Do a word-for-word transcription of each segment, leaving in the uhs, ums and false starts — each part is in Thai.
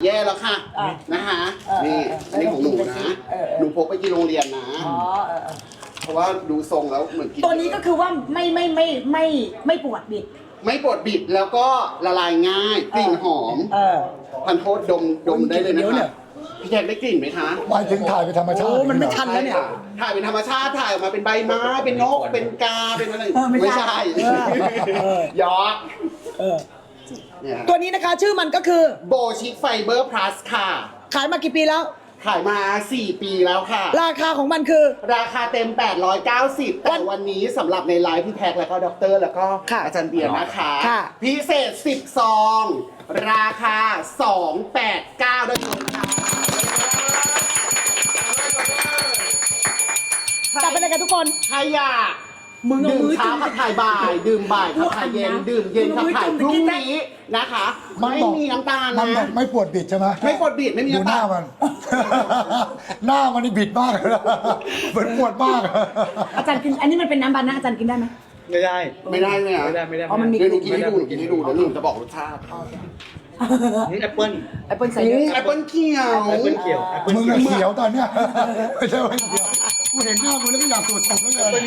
แย่แล้วค่ะนะคะนี่อันนี้ของหนูนะหนูพกไปกินโรงเรียนนะเพราะว่าดูทรงแล้วเหมือนกินตัวนี้ก็คือว่าไม่ไม่ไม่ไม่ไม่ปวดบิดไม่ปวดบิดแล้วก็ละลายง่ายกลิ่นหอมเออพันโทษดมดมได้เลยนะเดี๋ยวเนี่คะยพี่แจ็คได้กลิ่นไหมคะหมายถึงถ่ายเป็นธรรมชาติโอ้มันไม่ทัน แล้วเนี่ยถ่ายเป็นธรรมชาติถ่ายออกมาเป็นใบไม้เป็นนกเป็นกาเป็นอะไรเออไม่ใช่ไม่ใช่เออยอกเออเนี่ยตัวนี้นะคะชื่อมันก็คือโบชิคไฟเบอร์พลัสค่ะขายมากี่ปีแล้วขายมาสี่ปีแล้วค่ะราคาของมันคือราคาเต็ม แปดร้อยเก้าสิบ แต่วันนี้สำหรับในไลฟ์พี่แท็กแล้วก็ด็อกเตอร์แล้วก็ค่ะอาจารย์เบียร์นะคะค่ะพิเศษสิบซอง ราคา สองร้อยแปดสิบเก้า ได้เลยค่ะจับไปเลยกันทุกคนใครอยากมึงเอาดื่มมือเช้าจุ่มขับถ่ายบ่าย ดื่มบ่ายขับถ่ายเย็นพูดอันนะดื่มเย็นมึขังบเอามือถ่ายจุ่มพรุ่งนี้นะคะมันไม่บอกมีน้ำตาลมันบอนะกไม่ปวดบิดใช่ไหมไม่ปวดบิดไม่มีดูน้ำหตาน้าลมัน หน้ามันนี่บิดมากเลยนะเหมือนปวดมากอาจารย์กิน อันนี้มันเป็นน้ำบานะอาจารย์กินได้ไหมไม่ได้ไม่ได้ไหมอ่ะไม่ได้ไม่ได้อ๋อมันมีเดี๋ยวหนูกินให้ดูหนูกินให้ดูเดี๋ยวหนูจะบอกรสชาตินี่แอปเปิ้ลแอปเปิลไซเดอร์แอปเปิ้ลเขียวแอปเปิ้ลเขียวแอปเปิ้ลมึงเขียวอะเขียวตอนเนี้ยไม่ใช่ว่าเขียวกูเห็นหน้ามึงแล้วก็อยากตรวจสอบแล้วเลย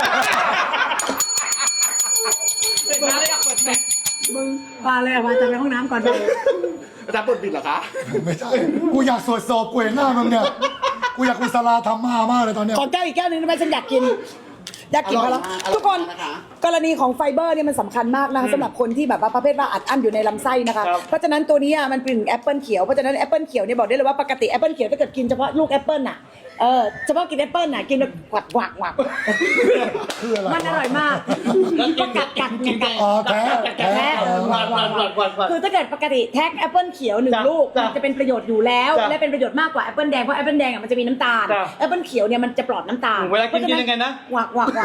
มึงพาเลยมาจะไปห้องน้ำก่อนไปอาจารย์ปวดบิดเหรอคะไม่ใช่กูอยากตรวจสอบกูเห็นหน้ามึงเนี่ยกูอยากกุศลาธรรมามากเลยตอนเนี้ยขอแก้วอีกแก้วหนึงได้ไหมฉันอยากกิน อยากกินพอแล้วอร่อยมากทุกคนอร่อยมากนะคะกรณีของไฟเบอร์เนี่ยมันสำคัญมากนะคะสำหรับคนที่แบบว่าประเภทว่าอัดอั้นอยู่ในลำไส้นะคะ เพราะฉะนั้นตัวนี้อ่ะมันเป็นแอปเปิลเขียวเพราะฉะนั้นแอปเปิลเขียวเนี่ยบอกได้เลยว่าปกติแอปเปิลเขียวถ้าเกิดกินเฉพาะลูกแอปเปิลน่ะเออเฉพาะกินแอปเปิลน่ะกินแบบกวักกวักกวักคืออะไรวะมันอร่อยมากก็กัดกัดกัดอ๋อแท้แท้แท้เออหวานหวานหวานหวานหวานคือถ้าเกิดปกติแท็กแอปเปิลเขียวหนึ่งจ้ะลูกจ้ะมันจะเป็นประโยชน์อยู่แล้วจ้ะและเป็นประโยชน์มากกว่าแอปเปิลแดงเพราะแอปเปิลแดงอ่ะมันจะมีน้ำตาลจ้ะแอปเปิลเขียวเนี่ยมันจะปลอดน้ำตาลเวลากินกินยังไงนะหวักหวักหวัก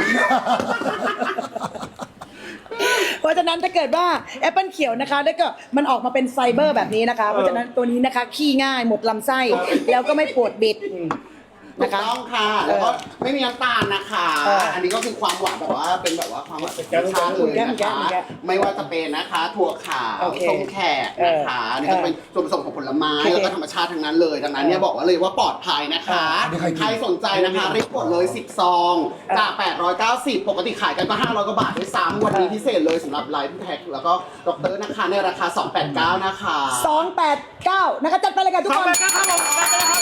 เพราะฉะนั้นถ้าเกิดว่าแอปเปิลเขียวนะคะแล้วก็มันออกมาเป็นไฟเบอร์แบบนี้นะคะ เพราะฉะนั้นตัวนี้นะคะขี้ง่ายหมดลำไส้แล้วก็ไม่ปวดบิดถูนะกคะต้องค่ะ แล้วก็ไม่มีน้ำตาลนะคะ อันนี้ก็คือความหวานแบบว่าเป็นแบบว่าความหวานธรรมชาติเลยนะคะไม่ว่าจะเป็นนะคะถั่วขาวส้มแขกนะคะอันนี่ก็เป็นส่วนผสมของผลไม้แล้วก็ธรรมชาติทั้งนั้นเลยดังนั้นเนี่ยบอกว่าเลยว่าปลอดภัยนะคะ ใครสนใจนะคะรีบกดเลยสิบซองจากแปดร้อยเก้าสิบปกติขายกันก็ห้าร้อยกว่าบาทด้วยซ้ำวันนี้พิเศษเลยสำหรับไลฟ์แท็กแล้วก็ด็อกเตอร์นะคะในราคาสองร้อยแปดสิบเก้านะคะสองแปดเก้านะคะจัดไปเลยค่ะทุกขอบคนคุณนะครับผมขอบคุณนะครับ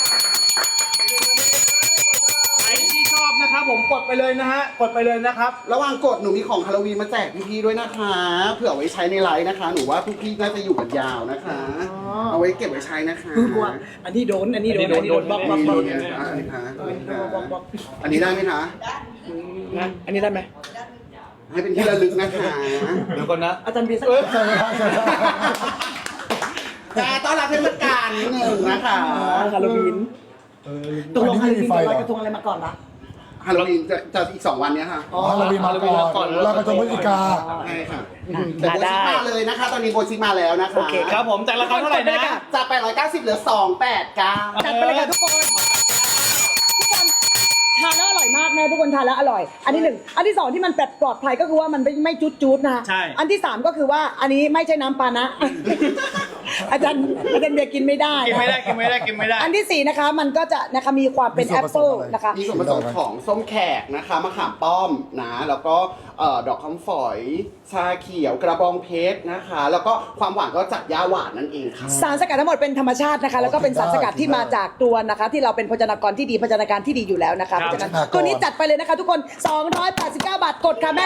ใครที่ชอบนะครับผมกดไปเลยนะฮะกดไปเลยนะครับระหว่างกดหนูมีของฮาโลวีนมาแจกพี่ๆด้วยนะคะเผื่อไว้ใช้ในไลฟ์นะคะ หนูว่าพี่ๆน่าจะอยู่กันยาวนะคะ เอาไว้เก็บไว้ใช้นะคะคือกลัวอันนี้โดนอันนี้โดนอันนี้โดนบล็อกบล็อกบล็อกนี่นะคะอันนี้ค่ะอันนี้ได้ไหมคะนะอันนี้ได้ไหมให้เป็นที่ระลึกนะคะเดี๋ยวก่อนนะอาจารย์บีสักใช่ไหมครับใช่ไหมครับแต่ต้อนรับเทศกาลนิดนึงนะคะฮาโลวีนเออตกลงอัฮาน โลนี้วีไม่นมีไฟจะลเหรอยอกระทงอะไรมาก่อนละฮาโลวีนจะจะอีกสองวันเนี้ยค่ะอ๋อฮาโลวีนมาก่อนแล้วก็จะพฤศจิกาใช่ค่ะแต่โบชิมาเลยนะคะ ตอนนี้โบชิมาแล้วนะคะโอเคครับผมจากราคาเท่าไหร่นะจากแปดร้อยเก้าสิบเหลือสองร้อยแปดสิบเก้าจัดไปเลยค่ะทุกคน ทุกคนทานแล้วอร่อยมากนะทุกคนทานแล้วอร่อย อันที่หนึ่งอันที่สองที่มันปลอดภัยก็คือว่ามันไม่ไม่จุดจุดๆนะใช่อันที่สามก็คือว่าอันนี้ไม่ใช่น้ำปานะ อาจารย์อาจารย์เบียร์กินไม่ได้กินไม่ได้กินไม่ได้กินไม่ได้อันที่สี่นะคะมันก็จะนะคะมีความเป็นมีส่แอวนปผสเปิลมอะไรนะคะมีส่วนผสมของส้มแขกนะคะมะขามป้อมนะแล้วก็เอ่อดอกคำฝอยชาเขียวกระบองเพชรนะคะ แล้วก็ความหวานก็จากย่าหวานนั่นเองค่ะสารสกัดทั้งหมดเป็นธรรมชาตินะคะ แล้วก็เป็นสารสกัดที่มาจากตัวนะคะ ที่เราเป็นโภชนากรที่ดีโภชนาการที่ดีอยู่แล้วนะคะครับเพราะฉะนั้นโภชนากรตัวนี้จัดไปเลยนะคะทุกคนสองร้อยแปดสิบเก้าบาทกดค่ะแม่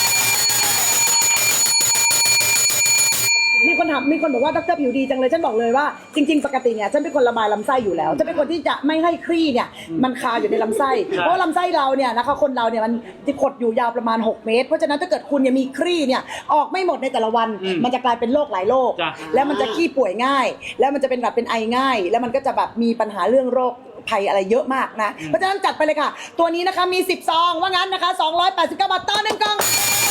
มีคนถามมีคนบอกว่าดรผิวดีจังเลยฉันบอกเลยว่าจริง ๆ ปกติเนี่ยฉันเป็นคนระบายลำไส้อยู่แล้วฉันเป็นคนที่จะไม่ให้ครี่เนี่ยมันคาอยู่ในลำไส้เพราะว่าลำไส้เราเนี่ยนะคะคนเราเนี่ยมันจะขดอยู่ยาวประมาณหกเมตรเพราะฉะนั้นถ้าเกิดคุณเนี่ยมีครี่เนี่ยออกไม่หมดในแต่ละวันอืมมันจะกลายเป็นโรคหลายโรคจ้ะแล้วมันจะขี้ป่วยง่าย แล้วมันจะเป็นแบบเป็นไอง่าย แล้วมันก็จะแบบมีปัญหาเรื่องโรคภัยอะไรเยอะมากนะเพราะฉะนั้นจัดไปเลยค่ะ ตัวนี้นะคะมีสิบซองว่างั้นนะคะสองร้อยแปดสิบเก้าบาทต่อหนึ่งกล่อง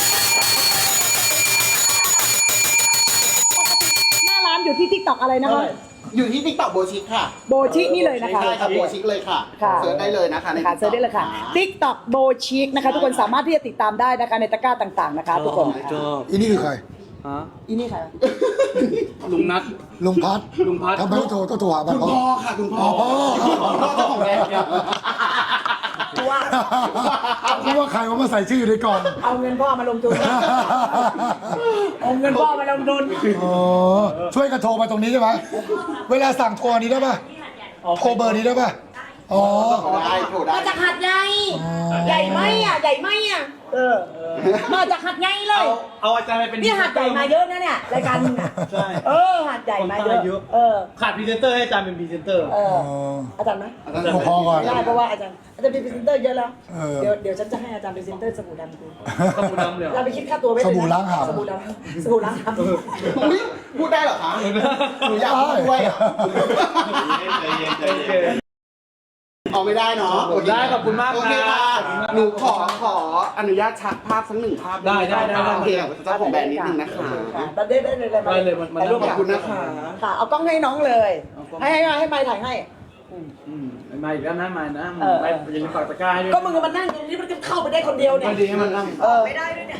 หน้าร้านอยู่ที่ ทิกตอก อะไรนะคะอยู่ที่ติ๊กต็อกโบชิคค่ะโบชินี่เลยนะคะใช่ค่ะโบชิคเลยค่ะค่ะเสิร์ชได้เลยนะคะในค่ะเซิร์ชได้เลยค่ะ ทิกตอก โบชิคนะคะ ทุกคนสามารถที่จะติดตามได้นะคะในตะกร้าต่างๆนะคะ ทุกคนชอบอีนี่คือใครฮะอีนี่ใครวะลุงนัทลุงพัดลุงพัดทำไมต้องโทรต้องโทรหาบ้านคุณพ่อพ่อค่ะคุณพ่อพ่อพ่อเจ้าของแบรนด์เนี่ยกูว่าเพราะว่าใครว่ามาใส่ชื่ออยู่ในกล่องเอาเงินพ่อมาลงทุนเอาเงินพ่อมาลงทุนอ๋อช่วยกันโทรมาตรงนี้ใช่ไหมเวลาสั่งโทรอันนี้ได้ป่ะโทรเบอร์นี้ได้ป่ะอ๋อได้โทรได้มาจากหัดใหญ่ใหญ่ไหมอ่ะใหญ่ไหมอ่ะเออมาจากหัดใหญ่เลเอายเอาอาจารย์ไปเป็นนี่หัดใหญ่มาเยอะนะเนี่ยรายการมึงอ่ะใช่เออหัดใหญ่มาคนใต้เยเยอะอะเออขาดพรีเซนเตอร์ให้อาจารย์เป็นพรีเซนเตอร์เอออ๋ออาจารย์ไหมโทรพอก่อนไม่ได้เพราะว่าอาจารย์อาจารย์เป็นพรีเซนเตอร์เยอะแล้วเออเดี๋ยวเดี๋ยวฉันจะให้อาจารย์เป็นพรีเซนเตอร์สบู่ดำกูสบู่ดำเลยเหรอเราไปคิดค่าตัวไว้เลยนะสบู่ล้างหำสบู่ดำสบู่ล้างหำอุ๊ยพูดได้เหรอคะหนูอยากพูดด้วยอะใจเย็นใจเย็นเอาไม่ได้เนาะได้ขอบคุณมากโอเคครัค่ะบหนูขอขออนุญาตชักภาพสักหนึ่งภาพได้ได้ได้ได้โอเคเจ้าของแบรนด์นิดนึงนะคะได้ได้ได้เลยได้เลยมันมันถ่ายรูปขอบคุณนะคะค่ะเอากล้องให้น้องเลย ให้ให้ให้ไมค์ถ่ายให้อืมมาอีกแล้วนะมานะเออไปอยังฝากตะกร้าให้ด้วยก็มึงมันนั่งตรงนี้มันก็เข้าไปได้คนเดียวเนี่ยไม่ดีให้มันนั่งเออไม่ได้ด้วยเนี่ย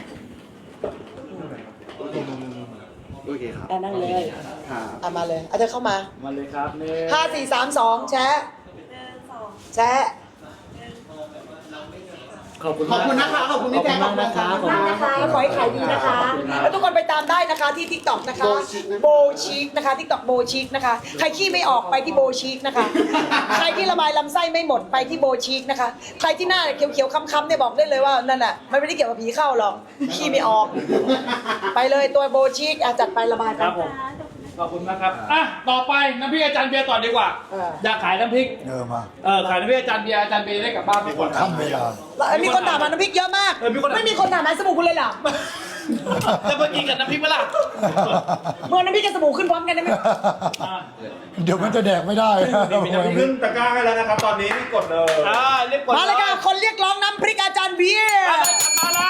โอเคครับอ่ะนั่งเลยค่ะอ่ะมาเลยเอาเธอเข้ามามาเลยครับเนี่ยห้าสี่สามสองแชะแชะขอบคุณขอบคุณนะคะขอบคุณพี่แจ๊คขอบคุณมากนะคะขอบนั่คุงณนะคะแล้วขอให้ขายดีนะคะ แล้วทุกคนไปตามได้นะคะที่ ทิกตอก นะคะโบชิคนะคะ ทิกตอกโบชิคนะคะ ใครขี้ไม่ออกไปที่โบชิคนะคะ ใครที่ระบายลำไส้ไม่หมดไปที่โบชิคนะคะ ใครที่หน้าเขียวๆค้ำๆเนี่ยบอกได้เลยว่านั่นน่ะมันไม่ได้เกี่ยวกับผีเข้าหรอกขี้ไม่ออก ไปเลยตัวโบชิคอ่ะจัดไประบายคกัรันบผมขอบคุณมากครับอ่ะต่อไปน้ำพริกอาจารย์เบียร์ต่อดีกว่าเอออยากขายน้ำพริกเออมาเออขายน้ำพริกอาจารย์เบียร์อาจารย์เบียร์ได้กลับบ้านไปก่อนค่ำเวลาแล้วมีคนถามมาน้ำพริกเยอะมากเออมีคนถามไม่มีคนถามหาสบู่คุณเลยเหรอจะมากินกับน้ำพริกเมื่อไหร่เมื่อน้ำพริกกับสบู่ขึ้นพร้อมกันได้ไหมเดี๋ยวมันจะแดกไม่ได้ขึ้นตะกร้าให้แล้วนะครับ ตอนนี้รีบกดเลยอ่าเรียบกดมาเลยค่ะคนเรียกร้องน้ำพริกอาจารย์เบียร์มาแล้ว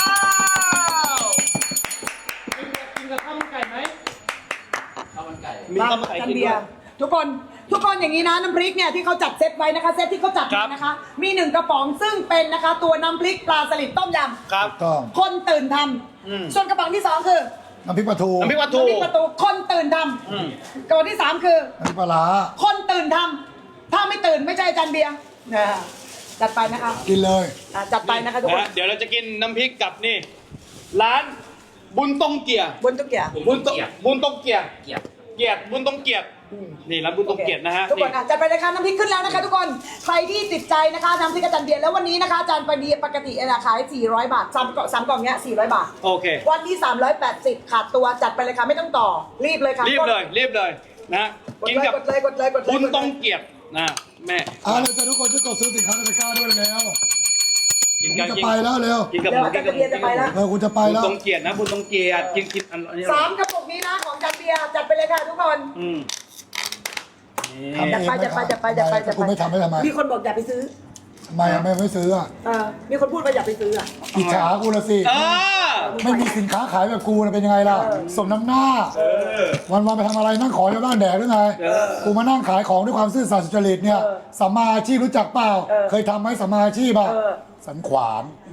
กินกับข้าวมันไก่ไหมข้าวมันไก่มีข้าวมันไก่อาจารกินย์เบีด้วยร์ทุกคนทุกคนอย่างนี้นะน้ำพริกเนี่ยที่เขาจัดเซตไว้นะคะเซตที่เขาจัดครับนะคะ มีหนึ่งกระป๋องซึ่งเป็นนะคะตัวน้ำพริกปลาสลิดต้มยครับต้องำคนตื่นทอืมำส่วนกระป๋องที่สองคือน้ำพริกปลาทูน้ำพริกปลาทูน้ำพริกประตูคนตื่นทอืมำกระป๋องที่สามคือน้ำพริกปลาร้าคนตื่นทำถ้าไม่ตื่นไม่ใช่อาจารย์เบียร์นะจัดไปนะคะกินเลยอ่ะจัดไปนะคะทุกคนนะเดี๋ยวเราจะกินน้ำพริกกับนี่ ร้านบุญตงเกียร์บนตุ๊กเกียร์บุญตงบุญตงเกียร์เกียรติเกียรติบุญตงเกียรตินี่ร้านบุญตงเกียรตินะฮะทุกคนนี่อ่ะจัดไปเลยค่ะน้ำพริกขึ้นแล้วนะคะทุกคนใครที่ติดใจนะคะน้ำพริกอาจารย์เบียร์แล้ววันนี้นะคะอาจารย์ปดีปกติเนี่ยขายสี่ร้อยบาทสามกล่องสามกล่องเนี้ยสี่ร้อยบาทโอเควันนี้สามร้อยแปดสิบขาดตัวจัดไปเลยค่ะไม่ต้องต่อรีบเลยค่ะรีบเลยรีบเลยนะกดกินเลยกับกดเลยกดเลยกดเลยบุญตงเกียรตินะแม่อ่าเลยจะทุกคนช่วยกดซื้อสินค้าในตะกร้าด้วยแล้วกินผมกับจะกินไปแล้วเร็วกินกับเดี๋ยวหมูอาจารย์เบียร์จะไปแล้วเออคุณจะไปบุญแล้วตงเกียรตินะบุญตงเกียรติกินกินอันอันนี้สามกระปุกนี้นะของอาจารย์เบียร์จัดไปเลยค่ะทุกคนอืมทำจัดไปจัดไปจัดไปจัดไปจัดกูไม่ทำไม่ทำไมมีคนบอกอย่าไปซื้อทำไมอ่ะไม่ไม่ซื้ออ่ะเออมีคนพูดว่าอย่าไปซื้ออ่ะอิจฉากูละสิเออไม่มีสินค้าขายแบบกูนะเป็นยังไงล่ะ สมน้ำหน้า วันวันๆไปทำอะไรนั่งขอชาวบ้านแดกหรือไง กูมานั่งขายของด้วยความซื่อสัตย์สุจริตเนี่ยสัมมาอาชีพรู้จักเปล่า เคยทำไหมสัมมาอาชีพอ่ะเออสันขวาน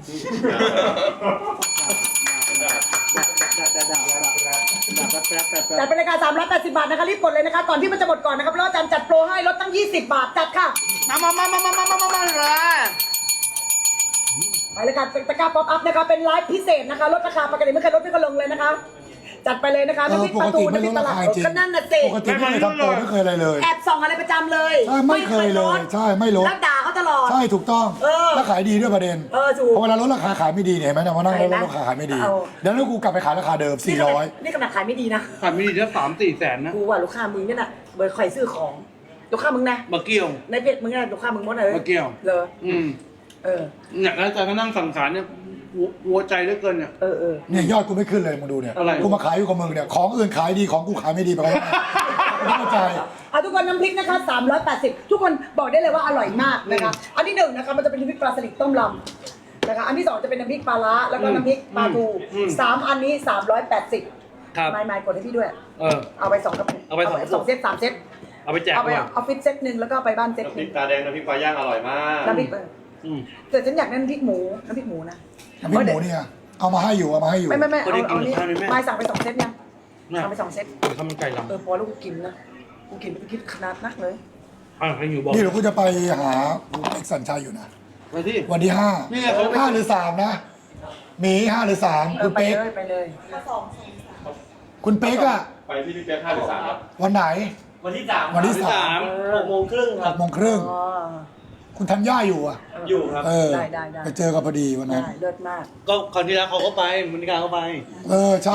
จัดไปเลยค่ะสามร้อยแปดสิบบาทนะคะรีบกดเลยนะคะก่อนที่มันจะหมดก่อนนะครับเพราะว่าอาจารย์จัดโปรให้ลดตั้งยี่สิบบาทจัดค่ะมามามามามามามามามาเลยไปเลยค่ะตะกร้าป๊อปอัพนะคะเป็นไลฟ์พิเศษนะคะลดราคาปกติไม่เคยลดไม่เคยลงเลยนะคะ จัดไปเลยนะคะเออน้ำพริกปปกลาทูติไม่น้ำพริลกดตราลาดคาจริงก็นั่นน่ะสิปกติไม่เคยทำโปรไม่เคยอะไรเลยแอบส่องอะไรประจำเลยใช่ไม่เคยเลย ใช่ไม่ลดแล้วด่าเขาตลอดใช่ถูกต้องเออแล้วขายดีด้วยประเด็นเออถูกพอเวลาลดราคาขายไม่ดีเนี่ยเห็นไหมเนี่ยมานั่งลดราคาขายไม่ดีเอาเดี๋ยวนั้นกูกลับไปขายราคาเดิมสี่ร้อยนี่ขนาดขายไม่ดีนะขายไม่ดีจะสามสี่แสนนะกูว่าลูกค้ามึงเนี่ยน่ะเบอร์คอยซื้อของลูกค้ามึงนะมาเกี่ยวในเพจมึงน่ะลูกค้ามึงหมดเลยมาเกี่ยวเลยอืมเออเนี่ยแล้วอาจารย์ก็นั่งสั่งสารเนี่ยหัวหัวใจเหลือเกินเนี่ยเออเออเนี่ยยอดกูไม่ขึ้นเลยมึงดูเนี่ยอะไรกูมาขายอยู่กับมึงเนี่ยของอื่นขายดีของกูขายไม่ดีไปแล้วไม่เข้าใจเอาทุกคนน้ำพริกนะคะสามร้อยแปดสิบทุกคนบอกได้เลยว่าอร่อยมากนะคะ อันที่หนึ่งนะคะมันจะเป็นน้ำพริกปลาสลิดต้มลำนะคะ อันที่สองจะเป็นน้ำพริกปลาร้าแล้วก็น้ำพริกปลาทูอืมสามอันนี้สามร้อยแปดสิบครับไม่ไม่กดให้พี่ด้วยเออเอาไปสองกระปุกเอาไปสองกระปุกสองเซตสามเซตเอาไปแจกเอาไปหน่อยออฟฟิศเซตหนึ่งแล้วก็ไปบ้านเซตน้ำหพรินึ่กงตาแดงน้ำพริกปลาย่างอร่อยมากน้ำพริกเอออืมแต่ฉันอยากได้น้ำพริกหมูน้ำพริกหมูนะน้ำพริกหมูเนี่ยเอามาให้อยู่เอามาให้อยู่ไม่ไม่ไม่ก็เอาได้กินเอานี่กับข้าวด้วยแม่ไม่สั่งไปสองเซตเนี่ยเอาไปสองเซตข้าวมันไก่ลำเออพอแล้วกูกินนะกูกินไปคิดขนาดนักเลยอ่ะให้อยู่บอกนี่เราก็จะไปหาเอกสัญชัยอยู่นะมาที่วันที่ห้านี่ไงเขาห้าหรือสามนะหมีห้าหรือสามเอคุอณไปเป๊กเลยไปเลยคุณเป๊กอะไปที่พี่เป๊กห้าหรือสามครับวันไหนวันที่สามวันที่สาสาม มหกโมงครึ่งคหรับกโมงครึ่งอ๋อคุณธัญญาอยู่อะอยู่ครับเออได้ได้ได้ไปเจอกันพอดีวันนั้นได้เลิศมากก็คราวที่แล้วเขาก็ไปมณิการเขาไปเออใช่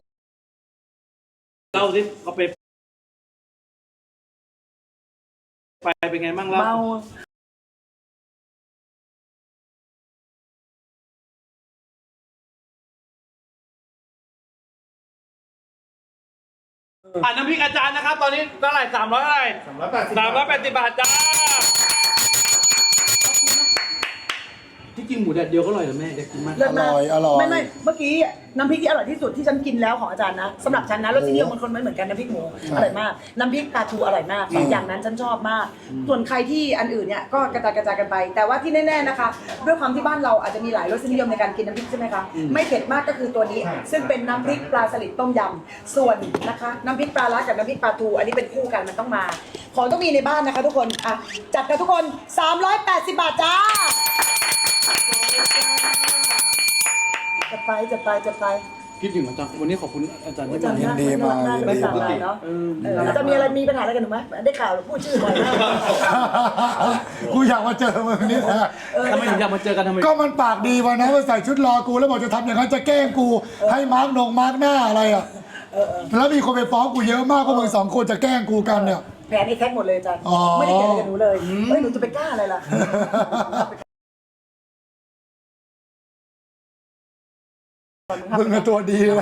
เล่าสิเขาไปไปเป็นไงบ้างเล่าเมาอ่าน้ำพริกอาจารย์นะครับ ตอนนี้เท่าไหร่สามร้อยเท่าไหร่สามร้อยแปดสิบสามร้อยแปดสิบบาทจ้าที่จริงหมูแดดเดียวก็อร่อยเหรอแม่อยากกินมากเลิศมากอร่อยอร่อยไม่ไม่เมื่อกี้น้ำพริกที่อร่อยที่สุดที่ฉันกินแล้วของอาจารย์นะสำหรับฉันนะรสนิยมมันคนไม่เหมือนกันน้ำพริกหมูอร่อยมากน้ำพริกปลาทูอร่อยมากสองอย่างนั้นฉันชอบมาก ส่วนใครที่อันอื่นเนี่ยก็กระจายกระจายกันไป แต่ว่าที่แน่ๆนะคะด้วยความที่บ้านเราอาจจะมีหลายรสนิยมในการกินน้ำพริกใช่ไหมคะไม่เผ็ดมากก็คือตัวนี้ ซึ่งเป็นน้ำพริกปลาสลิดต้มยำส่วนนะคะน้ำพริกปลาร้ากับน้ำพริกปลาทูอันนี้เป็นคู่กันมันต้องมาของต้องมีในบ้านนะคะ ทุกคนอ่ะจัดกันทุกคนสามร้อยแปดสิบบาทจ้าจะไปจะไปจะไปคิดถึงอาจารย์วันนี้ขอบคุณอาจารย์ที่อาจารย์ยินดีมากน่ยินไม่ดีสั่งมากงานเนาะเอออาจารย์มีอะไรมีปัญหาอะไรกันหนูไหมได้ข่าวพูดชื่อบ่อยมากกูอยากมาเจอมึงนี่แหละทำไมถึงอยากมาเจอกันทำไมก็มันปากดีวันนั้นมาใส่ชุดรอกูแล้วบอกจะทำอย่างนั้นจะแกล้งกู ให้มาร์กนงมาร์กหน้าอะไรอ่ะแล้วมีคนไปฟ้องกูเยอะมากว่ามึงสองคนจะแกล้งกูกันเนี่ยแผนนี้แท็กหมดเลยอาจารย์อ๋อไม่ได้เกี่ยวอะไรกับหนูเลยเฮ้ยหนูจะไปกล้าอะไรล่ะมึงอะตัวดีแล้ว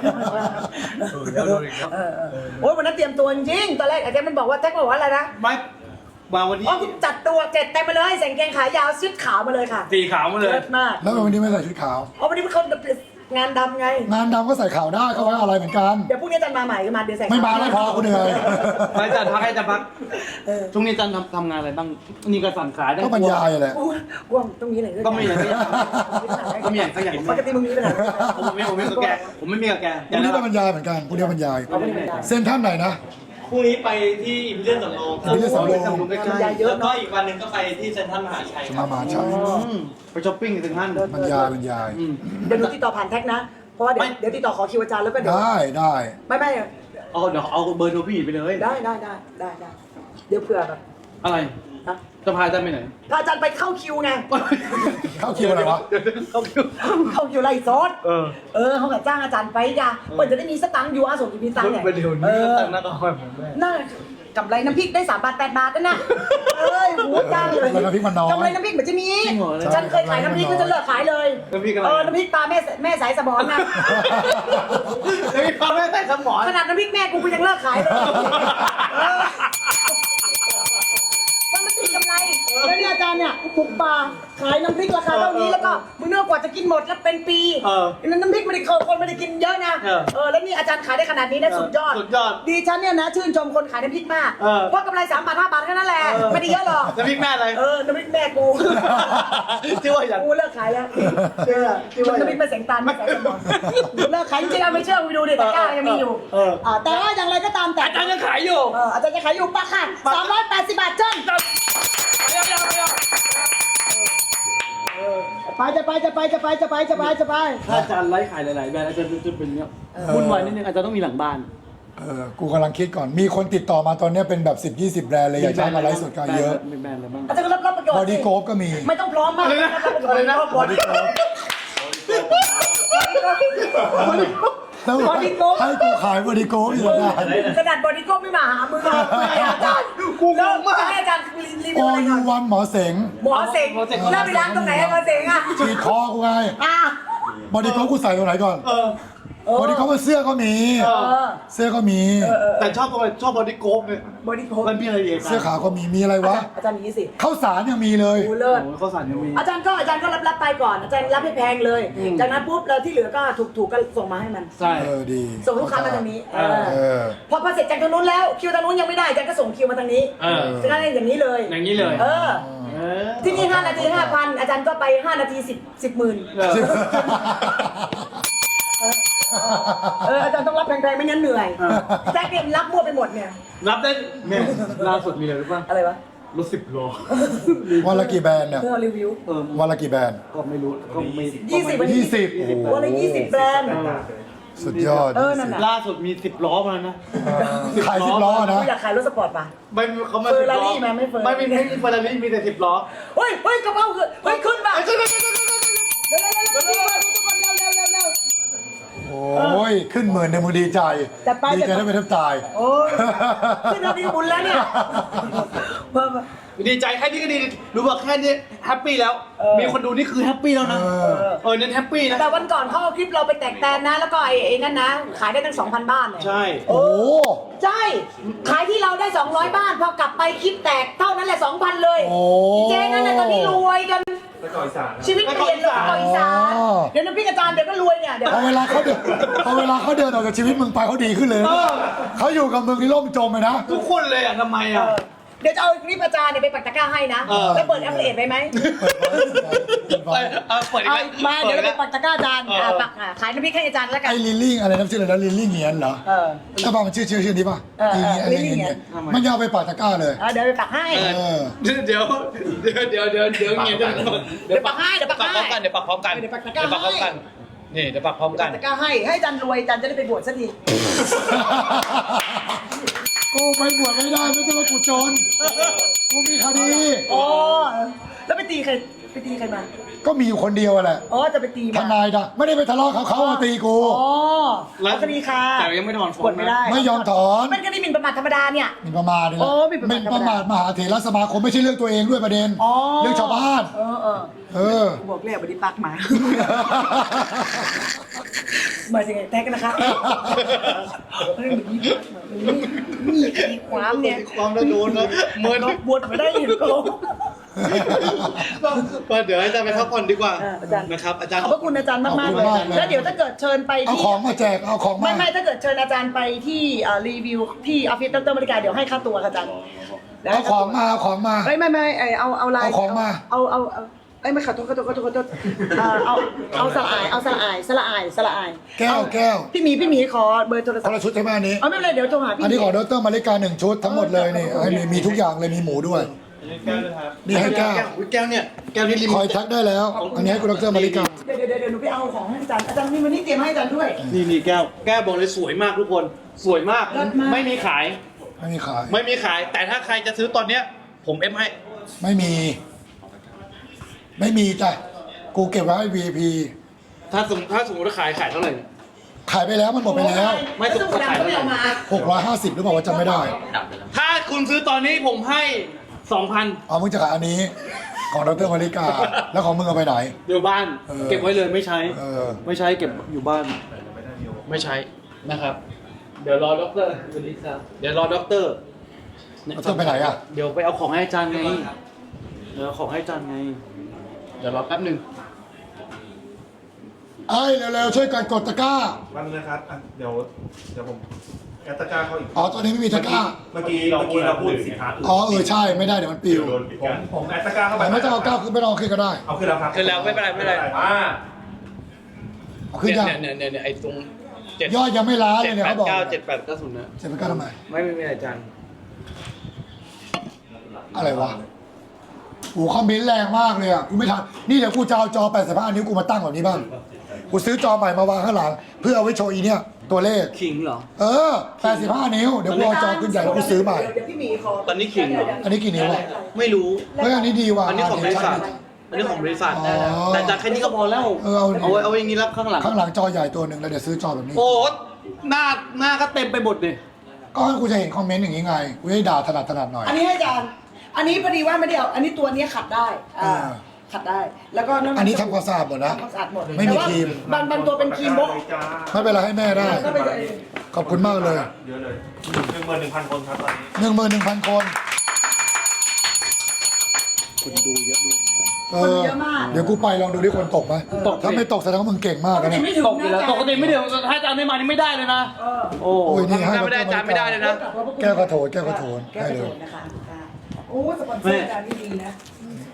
เออเออโอ้ยวันนั้นเตรียมตัวจริงๆตอนแรกอาจารย์มันบอกว่าแท็กบอกว่าอะไรนะไม่มาวันนี้อ๋อจัดตัวเจ็ดเต็มมาเลยใส่กางเกงขายาวชุดขาวมาเลยค่ะสีขาวมาเลยเลิศมากแล้ววันนี้ไม่ใส่ชุดขาวอ๋อวันนี้เป็นคนงานดำไงงานดำก็ใส่ขาวได้ก็ไว้อะไรเหมือนกันเดี๋ยวพรุ่งนี้อาจารย์มาใหม่ก็มาเดี๋ยวใส่ไม่มาไม่พอกูเหนื่อยไม่อาจารย์พักให้อาจารย์พักช่วงนี้อาจารย์ทำทำงานอะไรบ้างนี่ก็สั่นขายได้ก็บรรยายแหละกูกูต้องมีอะไรด้วยก็ไม่อย่างนี้ก็ไม่อย่างก็อย่างปกติมึงมีปัญหาผมไม่ผมไม่กับแกผมไม่มีกับแกพรุ่งนี้ก็บรรยายเหมือนกันพรุ่งนี้บรรยายเอาไม่ได้บรรยายเส้นท่านไหนนะพรุ่งนี้ไปที่อิมพีเรียลสำโรงอิมพีเรียลสำโรงใกล้บรรยายเยอะแล้วก็เนาะอีกวันหนึ่งก็ไปที่เซ็นทรัลมหาชัยจะมามาใช่ไปช้อปปิ้งถึงท่านบรรยายบรรยายเดี๋ยวหนูติดต่อผ่านแท็กนะ เพราะว่าเดี๋ยวเดี๋ยวติดต่อขอคิวอาจารย์แล้วก็เดี๋ยวได้ได้ไม่ไม่เอาเดี๋ยวเอาเบอร์โทรพี่ไปเลยได้ได้ได้ได้ได้เดี๋ยวเผื่อแบบอะไรนะจะพาอาจารย์ไปไหนพาอาจารย์ไปเข้าคิวไงเข้าคิวอะไรวะเข้าคิวเข้าคิวไล่ซอสเออเออเขากับจ้างอาจารย์ไปจ้ะเปิดจะได้มีสตังค์อยู่อาสมจะมีสตังค์เนี่ยไปเดี๋ยวเอนี้อตั้งหน้าต่อไปผมด้วยน่ากำไรน้ำพริกได้สามบาทแปดบาทนั่นน่ะเอ้ยหัวจ้างเลยกำไรน้ำพริกมันน้อยกำไรน้ำพริกเหมือนจะมีจริงเหรอฉันเคยขายน้ำพริกก็จะเลิกขายเลยน้ำพริกอะไรเออน้ำพริกปลาแม่แม่สายสมอนนะแล้วมีความไม่ใส่สมองขนาดน้ำพริกแม่กูกูยังเลิกขายเลยเออมันไม่ตีกำไรแล้วเนี่ยอาจารย์เนี่ยปลูกปลาขายน้ำพริกราคาเท่านี้แล้วก็มึงเนื้อกว่าจะกินหมดแล้วเป็นปีเออนั้นน้ำพริกไม่ได้เคยคนไม่ได้กินเยอะนะเออเออแล้วนี่อาจารย์ขายได้ขนาดนี้นะสุดยอดสุดยอดดีฉันเนี่ยนะชื่นชมคนขายน้ำพริกมากเออเพราะกำไรสามบาทห้าบาทแค่นั้นแหละไม่ได้เยอะหรอกน้ำพริกแม่อะไรเออน้ำพริกแม่กูชื่อว่าอย่างกูเลิกขายแล้วเชื่อที่ว่าน้ำพริกแม่แสงตาลแม่แสงสมองกูเลิกขายจริงๆเอาไม่เชื่อไปดูดิตะกร้ายังมีอยู่เอออ่าแต่ว่าอย่างไรก็ตามแต่อาจารย์ยังขายอยู่เอออาจารย์จะขายอยู่ปะค่ะสามร้อยแปดสิบบาทเจ้าเดี๋ยวเดี๋ยวเดี๋ยวไปจะไปจะไปจะไปจะไปจะไปจะไปถ้าอาจารย์ไลฟ์ขายหลายๆแบรนด์อาจารย์จะเป็นเนี้ยวุ่นวายนิดนึงอาจารย์ต้องมีหลังบ้านเออกูกำลังคิดก่อนมีคนติดต่อมาตอนเนี้ยเป็นแบบสิบยี่สิบแบรนด์เลยอยากจะให้มาไลฟ์สดกันเยอะมีแบรนด์อะไรบ้างอาจารย์ก็รับรับประโยชน์บอดี้โกฟก็มีไม่ต้องพร้อมมากอะไรนะอะไรนะบอดี้โกแล้วบอดี้โกฟให้กูขายบอดี้โกฟอยู่ได้ขนาดบอดี้โกไม่มาหามือเลยอาจารย์กูงงมากให้อาจารย์รีวิโอวอะไรยูก่อนวันหมอเสงหมอเสงแล้วไปล้างตรงไหนหมอเสงอ่ะฉีดคอกูไงอ่ะบอดี้โกฟกูใส่ตรงไหนก่อนเออบอดี้โกฟเสื้อก็มีเออเสื้อก็มีแต่ชอบทำไมชอบบอดี้โกฟเนี่ยบอดี้โกมันมีอะไรอีกเสื้อขาวก็มีมีอะไรวะอาจารย์อย่างนี้สิข้าวสารยังมีเลยกูเลิศโอ้ข้าวสารยังมีอาจารย์ก็อาจารย์ก็รับรับไปก่อนอาจารย์รับให้แพงเลย จากนั้นปุ๊บแล้วที่เหลือก็ถูกถูกก็ส่งมาให้มันใช่เออดีส่งลูกค้ามาทางนี้เออเออพอพอเสร็จจากทางนู้นแล้วคิวทางนู้นยังไม่ได้อาจารย์ก็ส่งคิวมาทางนี้เออฉะนั้นอย่างนี้เลยอย่างนี้เลยเออเออที่นี่ห้านาทีห้าพันอาจารย์ก็ไปห้านาทีสิบสิบหมื่นเออเอออาจารย์ต้องรับแพงๆไม่งั้นเหนื่อยแจ็คเนี่ยรับมั่วไปหมดเนี่ยรับได้แม่ล่าสุดมีอะไรรู้ป่ะอะไรวะรถสิบโลวันละกี่แบรนด์เนี่ยเพื่อรีวิวเออวันละกี่แบรนด์ก็ไม่รู้ก็ไม่ยี่สิบยี่สิบวันละยี่สิบแบรนด์สุดยอดเออนั่นน่ะล่าสุดมีสิบล้อมาแล้วนะขายสิบล้อนะกูอยากขายรถสปอร์ตป่ะไม่เขาไม่เฟอร์รารี่มาไม่เฟอร์ไม่มีไม่มีเฟอร์รารี่มีแต่สิบล้อเฮ้ยเฮ้ยกระเป๋าคือเฮ้ยขึ้นป่ะเร็วเร็วเร็วเร็วเร็วเร็วเร็วเร็วเร็วทุกคนเร็วเร็วเร็วเร็วโอ้ย ขึ้นหมื่นในมือดีใจจัดไปดีใจได้ไปแทบตายโอ้ยขึ้นเอาดีบุญแล้วเนี่ยเพิ่มดีใจแค่นี้ก็ดีรู้ว่าแค่นี้แฮปปี้แล้ว มีคนดูนี่คือแฮปปี้แล้วนะเออเออเน้นแฮปปี้นะแต่วันก่อนเขาเอาคลิปเราไปแตกแตนนะ แล้วก็ไอ้ไอ้นั่นนะ ขายได้ตั้งสองพันบ้านเนี่ยใช่โอ้โหใช่ ขายที่เราได้สองร้อยบ้าน พอกลับไปคลิปแตกเท่านั้นแหละสองพันเลยโอ้เจ๊นั่นน่ะตอนนี้รวยกันไปก่อนอีสานชีวิตเปลี่ยนเลยต่ออีสานอ๋อเดี๋ยวน้ำพริกอาจารย์เดี๋ยวก็รวยเนี่ย เดี๋ยวพอเวลาเขาเดินพอเวลาเขาเดินออกจากชีวิตมึงไปเขาดีขึ้นเลยนะเขาอยู่กับมึงนี่ร่มจมเลยนะทุกคนเลยอ่ะทำไมอ่ะเดี๋ยวจะเอาคลิปอาจารย์เนี่ยไปปักตะกร้าให้นะเออแล้วเปิดแอปเปิลเอ็ดไว้ไหมเออเออเปิดอีกเอาแล้วมาเดี๋ยวเราไปปิปักตะกร้าอาจารย์เอออ่อ่ะปักอ่ะขายน้ำพริกให้อาจารย์แล้วกันไอ้ลิลลี่อะไรนะชื่ออะไรนะลิลลี่เงียนเหรอเออใช่ป่ะมันชื่อชื่อชื่อนี้ป่ะเออเออลิลลี่ลิลลี่เงียนเงียนมันยาวไปปากตะกร้าเลยอ่ะเดี๋ยวไปปักให้เอเออเดี๋ยวเดี๋ยวเดี๋ยวเดี๋ยวเดี๋ยวเงียบเดี๋ยวปักให้เดี๋ยวปักให้พร้อมกันเดี๋ยวปักพร้อมกันเดี๋ยวปักตะกร้าเดี๋ยวปักพร้อมกันนี่เดี๋ยวปักพร้อมกันตะกร้าให้ให้อาจารย์รวยอาจารย์จะได้ไปบวชสักทีกูไปบวชไม่ได้ไม่ใช่ว่ากูจนกูมีคดีอ๋อแล้วไปตีใครไปตีใครมาก็มีอยู่คนเดียวอะแหละอ๋อจะไปตีทมานายนะไม่ได้ไปทะเลาะเขาเขามาตีกูอ๋อเอาคดีค่ะแต่ยังไม่ถอนฟ้องบวชไม่ได้ไม่ยอมถอนมันคดีหมิ่นประมาทธรรมดาเนี่ยหมิ่นประมาทนี่แหโอ้ละหมิ่นประหมาทมิ่นประมาทมหาเถรสมาคมไม่ใช่เรื่องตัวเองด้วยประเด็นอ๋อเรื่องชาวบ้านเออเออเออกูบอกแล้วบไดีปักมาหมายถึงไงแท็กนะคะเฮ้ยมันมีปักมามีมีมีความเนี่ยความแล้วโดนแล้วเมินบวชไม่ได้เห็นโกก็เดี๋ยวให้อาจารย์ไปพักผ่อนดีกว่าเอออาจารย์นะครับอาจารย์ขอบพระคุณอาจารย์มากมากๆเลยขอบคุณมากเลยแล้วเดี๋ยวถ้าเกิดเชิญไปเอาที่ของมาแจกเอาของมาไม่ไม่ถ้าเกิดเชิญอาจารย์ไปที่เอ่อรีวิวที่ออฟฟิศดรมริกาเดี๋ยวให้ค่าตัวค่ะอาจารย์เอาของมาเอาของมาไม่ไม่ไม่ไอเอาเอาไลน์เอาของมาเอาเอาเอาไอ้ยไม่ขอโทษขอโทษขอโทษขอโทษเอ่อเอาเอาสละอายเอาสละอายสละอายสละอายแก้วเอาแก้วพี่หมีพี่หมีขอเบอร์โทรคศัพนละท์ชุดใช่ไหมอันนี้เอาไม่เป็นไรเดี๋ยวโทรหาพี่อันนี้ขอหดมีรมาริกาหนึ่งชุดทั้งหมดเลยนี่ให้มีมีทุกอย่างเลยมีหมูด้วย นี่ให้แก้วอุ๊ยแก้วเนี่ยแก้วที่ริมคอยทักได้แล้ว อันนี้ให้คุณดรมาริกาเดี๋ยวเดี๋ยวเดี๋ยวหนูไปเอาของให้อาจารย์อาจารย์มีวันนี้เตรียมให้อาจารย์ด้วยนี่นี่แก้วแก้วบอกเลยสวยมากทุกคน สวยมากเลิศมากไม่มีขายไม่มีขายไม่มีขาย แต่ถ้าใครจะซื้อตอนเนี้ย ผมเอฟให้ไม่มี ไม่มีจ้ะกูเก็บไว้ให้ วี ไอ พีถ้าสมถ้าสมมติว่าขายขายเท่าไหร่ขายไปแล้วมันหมดไปแล้วไม่ไม่ต้ต้ออง งขายขายไม่เอามาหกร้อยห้าสิบหรือเปล่าว่าจำไม่ได้ถ้าคุณซื้อตอนนี้ผมให้สองพันเอามึงจะขายอันนี้ ของดรมาริกา แล้วของมึงเอาไปไหนเดี๋ยวบ้านเออเก็บไว้เลยไม่ใช้เออไม่ใช้เก็บอยู่บ้าน ไม่ใช้นะครับ เดี๋ยวรอด็อกเตอร์เดี๋ยวรอด็อกเตอร์เอาต้องไปไหนอ่ะเดี๋ยวไปเอาของให้อาจารย์ไงเดี๋ยวเอาของให้อาจารย์ไง เดี๋ยวรอแป๊บหนึ่งไอ้เร็วๆช่วยกันกดตะกร้าวันนึงนะครับอ่ะเดี๋ยวเดี๋ยวผมแอดตะกร้าเข้าอีกอ๋อตอนนี้ไม่มีตะกร้าเมื่อกี้เมื่อกี้เราพูดสินค้าอื่นอ๋อเออใช่ไม่ได้เดี๋ยวมันปิวโดนปิดกันผมแอดตะกร้าเข้าไปแต่ไม่ต้องเอาก้าวขึ้นไม่ต้องเอาขึ้นก็ได้เอาขึ้นแล้วครับขึ้นแล้วไม่เป็นไรไม่เป็นไรอ่าเอาขึ้นยังเนี่ยเนี่ยเนี่ยไอ้ตรงเจ็ดยอดยังไม่ล้าเลเจ็ยดเนี่ยแปเขาดบอกเก้าเจ็ดแปดเก้าศูนย์นะเจ็ดไปก้าทำไมไม่ไม่ไม่อาจารย์อะไรวะโอ้คอมเมนต์แรงมากเลยอ่ะ กูไม่ทัน นี่เดี๋ยวกูจะเอาจอแปดสิบห้านิ้วกูมาตั้งแบบนี้บ้าง กูซื้อจอใหม่มาวางข้างหลัง เพื่อเอาไว้โชว์อีเนี่ย ตัวเลขขิงเหรอเออแปดสิบห้านิ้ว เดี๋ยวกูเอาจอขึ้นใหญ่แล้วกูซื้อใหม่เดี๋ยวพี่หมีขอตอนนี้ขิงเหรออันนี้กี่นิ้วอ่ะไม่รู้เฮ้ยอันนี้ดีว่ะอันนี้ของบริษัท อันนี้ของบริษัท แต่จากแค่นี้ก็พอแล้วเออเอาเอาไว้เอาไว้อย่างนี้รับข้างหลังข้างหลังจอใหญ่ตัวหนึ่งแล้วเดี๋ยวซื้อจอแบบนี้โอ้หน้าหน้าก็เต็มไปหมดเลยก็ให้กูจะเห็นคอมเมนต์อย่างนี้ไง กูจะได้ด่าถนัดถนัดหน่อยอันนี้ให้อาจารย์ อันนี้พอดีว่าไม่ได้เอาอันนี้ตัวนี้ขัดได้อ่าอ่าขัดได้ แล้วก็ำอันนี้ทำความสะอาดหมดนะทำความสะอาดหมดไม่มีแต่ว่าครีมบางบางตัวเป็นครีมโบ๊ะไม่เป็นไรให้แม่ได้ก็ไปเลยขอบคุณมากเลยเยอะเลยหนึ่งหมื่นหนึ่งพันคนครับตอนนี้หนึ่งหมื่นหนึ่งพันคนคนดูเยอะด้วยเออ เดี๋ยวกูไปลองดูที่คนตกไหมตกสิถ้าไม่ตกแสดงว่ามึงเก่งมากปกนะติเนี่ยไม่ถึงตกอยู่แล้วนะปกติไม่เดี๋ยวถ้าอาจารย์ไม่มานี่ไม่ได้เลยนะเออโอ้โอ้ยนี่ให้ถ้าไม่ได้อาจารย์ไม่ได้เลยนะแก้วกระโถนแก้วกระโถนแก้ให้กระเลโดยดนะคะค่ะโอ้สปอนเซอร์อาจารย์นี่ดีนะ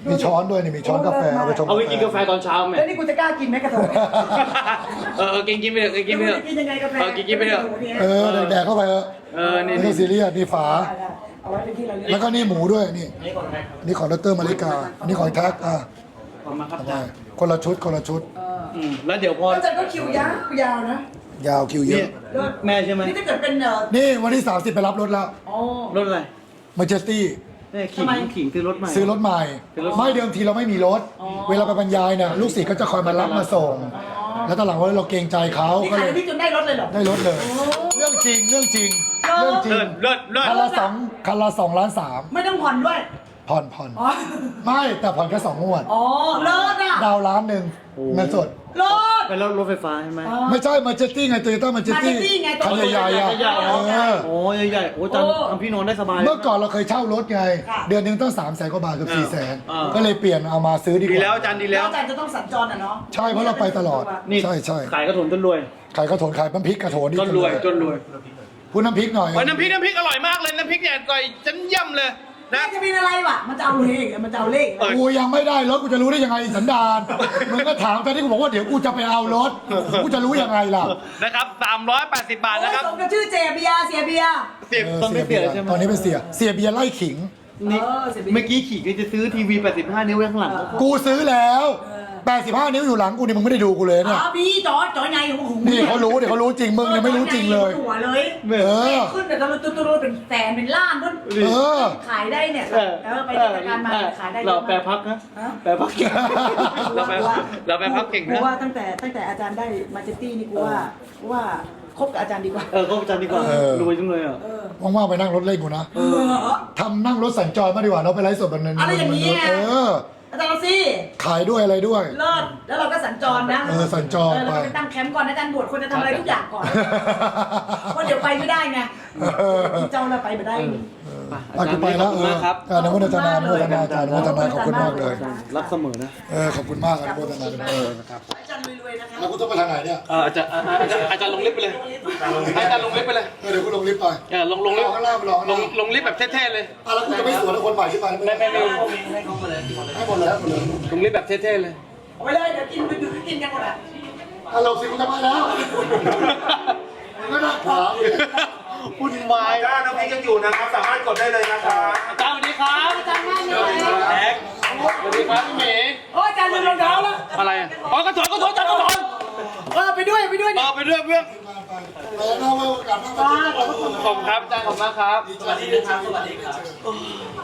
มีช้อนด้วยนี่มีช้อนกาแฟเอาไปชงเอาไปกินกาแฟตอนเช้าไหมแล้วนี่กูจะกล้ากินไหมกระโถนเออเออกินกินไปเถอะกินไปเถอะกินยังไงกาแฟเออกินกินไปเถอะเออแดกๆเข้าไปเออเออนี่ไม่ต้องซีเรียสนี่ฝาเอาไว้เป็นที่ระลึกแล้วก็นี่หมูด้วยนี่นี่ของดรมาริกาอันนี้ของแท็กอ่ะขอบคุณมากครับทำไมคนละชุดคนละชุดอืมแล้วเดี๋ยวพออาจารย์ก็คิวยาวยาวนะยาวคิวเยนี่อะแม่ใช่ไหมนี่ถ้าเกิดเป็นเอ่อนี่วันที่สามสิบไปรับรถแล้วอ๋อรถอะไรมาเจสตี้แม่ขิงขิงซื้อรถใหม่ซื้อรถใหม่ซื้อรถใหม่ไม่เดิมทีเราไม่มีรถ เวลาไปบรรยายเนี่ยลูกศิษย์ก็จะคอยมารับมาส่ง แล้วตอนหลังว่าเราเกรงใจเขานี่ก็ขาเลย ยพี่จนได้รถเลยเหรอได้รถเลย เรื่องจริงเรื่องจริง เรื่องจริเลิงศเลิศเลิศคันละสองคันละสองล้านสามไม่ต้องผ่อนด้วยผ่อนผ่อนอ๋อไม่แต่ผ่อนแค่สองงวดอ๋อเลิศอ่ะดาวล้านหนึ่งเงินสดเลิศไปแล้วรถไฟฟ้าใช่ไหมไม่ใช่มาเจสตี้ไงโตโยต้ามาเจสตี้ Majesty ไงคันใหญ่ๆอ่ะใหญ่ๆเออโอ้ใหญ่ๆโอ้จันทำพี่นอนได้สบายเมื่อก่อนเราเคยเช่ารถไงค่ะเดือนหนึงต้องสามแสนกว่าบาทเกับสี่แสนอ่าก็เลยเปลี่ยนเอามาซื้อดีกดีแล้วว่าจันดีแล้แล้ว วอาจารย์จะต้องสัญจรอ่ะเนาะใช่เพราะเราไปตลอดนี่ใช่ใช่ขายกระถนจนรวยขายกระโถนขายน้ำพริกกระโถนนี่จนรวยจนรวยพูดน้ำพริกหน่อยโอ้ยน้ำพริกน้ำพริกอร่อยมากเลยน้ำพริกเนี่ยก่อยฉันย่ำเลยน่านะจะมีอะไรวะมันจะเอาเลขมันจะเอาเลขเออกูยังไม่ได้รถกูจะรู้ได้ยังไงสันดานมึงก็ถามตอนที่กูบอกว่าเดี๋ยวกูจะไปเอารถกูจะรู้ยังไงล่ะนะครับสามร้อยแปดสิบบาทโอ้ยนะครับสมกับชื่อเจเบียร์เสียเบียร์เสียบเออตอนไม่เสียใช่ไหมตอนนี้เป็นเสียเสียเบียร์ไล่ขิงนี่เออเสียเบียร์เมื่อกี้ขี่ก็จะซื้อทีวีแปดสิบห้านิ้วไว้ข้างหลังกูซื้อแล้วแปดสิบห้านิ้วอยู่หลังกูนี่มึงไม่ได้ดูกูเลยเนี่ยอ๋อพี่จอจอยไงของผมนี่เขารู้เดี๋ยวเขารู้จริงมึงยังไม่รู้จริงเลยหัวเลยเออขึ้นแต่ตอนตุ้ตุ้เป็นแสนเป็นล้านด้วยเออขายได้เนี่ยเออเออไปกิจการมาขายได้เราแปรพักนะฮะแปรพักเก่งเราแปรเราแปรพักเก่งกูนะว่าตั้งแต่ตั้งแต่อาจารย์ได้มาเจตตี้นี่กูว่ากูว่าคบกับอาจารย์ดีกว่าเออก็อาจารย์ดีกว่าเออรวยจังเลยอ่ะเออว่างๆไปนั่งรถเล่นกูนะเออทำนั่งรถสัญจรมาดีกว่าเราไปไลฟ์สดแบบนั้นอะไรอย่างนี้ไงเอออาจารย์สิขายด้วยอะไรด้วยเลิศแล้วเราก็สัญจรนะเออสัญจรเออเราไปไปตั้งแคมป์ก่อนอาจารย์บวชคนจะทำอะไรทุกอย่างก่อนเพราะเดี๋ยวไปไม่ได้ไงเจ้าเราไปไม่ได้อ่ะกูไปแล้วขอบเอคุณอมากครับอ่ะอนุโมทนาอนุโมทนาอาจารย์อนุโมทนาขอบคุณมากเลยรักเสมอนะเออขอบคุณมากอนุโมทนาด้วยเอออาจารย์รวยๆนะคะแล้วกูต้องไปทางไหนเนี่ยเอออาจารย์อาจารย์อาจารย์ลงลิฟต์ไปเลยอาจารย์ลงลิฟต์ไปเลยเออเดี๋ยวกูลงลิฟต์ไปเออลงลงลิฟต์ข้างล่างไปรอข้างลล่างงลงลิฟต์แบบเท่ๆเลยอ่ะแล้วกูจะไม่สวนกับคนใหม่ที่ไปไม่ไม่ไม่ให้หมดเลยให้หมดเลยลงลิฟต์แบบเท่ๆเลยเอาไปเลยเดี๋ยวกินไปดูกินกันหมดอ่ะอ่ะเราสิกูจะไปแล้วมันก็น่าขวางวุ่นวายถ้าน้ำพริกยังอยู่นะครับ สามารถกดได้เลยนะครับอาจารย์สวัสดีครับอาจารย์ง่ายเลยแท็กสวัสดีครับพี่หมีโอ้อาจารย์ลืมรองเท้าแล้วอะไรอ่ะอ๋อกระถนกระถนอาจารย์กระถนเออไปด้วยไปด้วยต่อไปด้วยเพื่อนไปแล้วเอาไว้โอกาสหน้ามาเจอกันขอบคุณครับอาจารย์ขอบคุณมากครับสวัสดีครับสวัสดีครับ